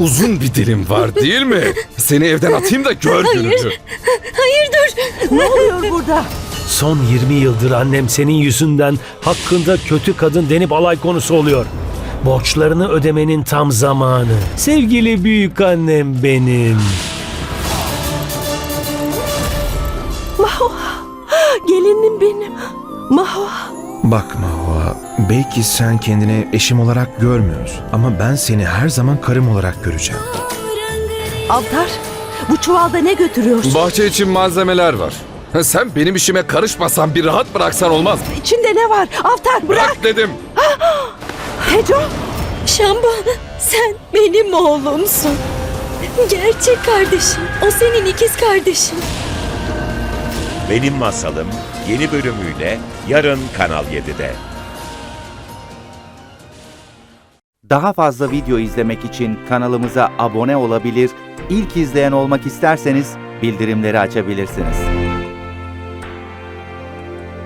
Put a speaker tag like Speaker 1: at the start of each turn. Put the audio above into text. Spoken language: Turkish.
Speaker 1: uzun bir dilim var değil mi? Seni evden atayım da gör gününü.
Speaker 2: Hayır dur.
Speaker 3: Ne oluyor burada?
Speaker 4: Son 20 yıldır annem senin yüzünden hakkında kötü kadın denip alay konusu oluyor. Borçlarını ödemenin tam zamanı. Sevgili büyük annem benim.
Speaker 3: Mahua, gelinim benim. Mahua.
Speaker 5: Bak Mahua, belki sen kendini eşim olarak görmüyorsun ama ben seni her zaman karım olarak göreceğim.
Speaker 3: Avtar, bu çuvalda ne götürüyorsun?
Speaker 1: Bahçe için malzemeler var. Sen benim işime karışmasan bir rahat bıraksan olmaz mı?
Speaker 3: İçinde ne var? Avtar bırak.
Speaker 1: Bırak dedim.
Speaker 3: Teco,
Speaker 2: Şamba, sen benim oğlumsun. Gerçek kardeşim. O senin ikiz kardeşin.
Speaker 6: Benim Masalım yeni bölümüyle yarın Kanal 7'de.
Speaker 7: Daha fazla video izlemek için kanalımıza abone olabilir, ilk izleyen olmak isterseniz bildirimleri açabilirsiniz.